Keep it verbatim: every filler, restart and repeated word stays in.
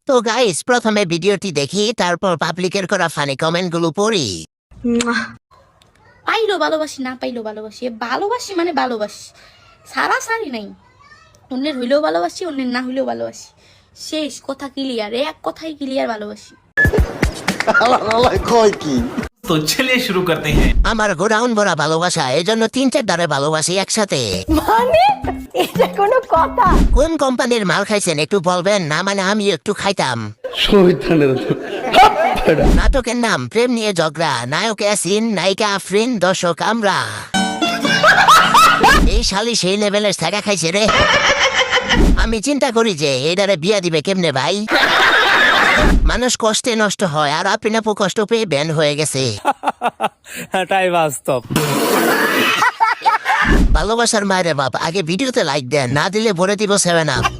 তো গাইস প্রথমে ভিডিওটি দেখি, তারপর পাবলিকের করা ফানি কমেন্ট গুলো পড়ি। পাইলো ভালোবাসি, না পাইলো ভালোবাসি, ভালোবাসি মানে ভালোবাসি, সারা সারি নাই। অন্যের হইলেও ভালোবাসি, অন্যের না হইলেও ভালোবাসি, শেষ কথা ক্লিয়ার, এক কথাই ক্লিয়ার, ভালোবাসি। तो चलिए शुरू करते हैं। আমার গোডাউন ভরা ভালোবাসা, এই জন্য তিন চার দ্বারে ভালোবাসি একসাথে। মানে এটা কোনো কথা? কোন কোম্পানির মাল খাইছেন একটু বলবেন? না মানে আমি একটু খাইতাম। নাটকের নাম প্রেম নিয়ে ঝগড়া, নায়ক অ্যাসিন, নায়িকা আফরিন, দর্শক আমরা। এই শালি সেই লেভেলের থাকা খাইছে রে। আমি চিন্তা করি যে এটারে বিয়া দিবে কেমনে ভাই। মানুষ কষ্টে নষ্ট হয়, আর আপনি আপু কষ্ট পেয়ে ব্যান হয়ে গেছে। এটাই বাস্তব। ভালোবাসার মায়ের বাপ, আগে ভিডিওতে লাইক দেন, না দিলে ভরে দিব সেভেন আপ।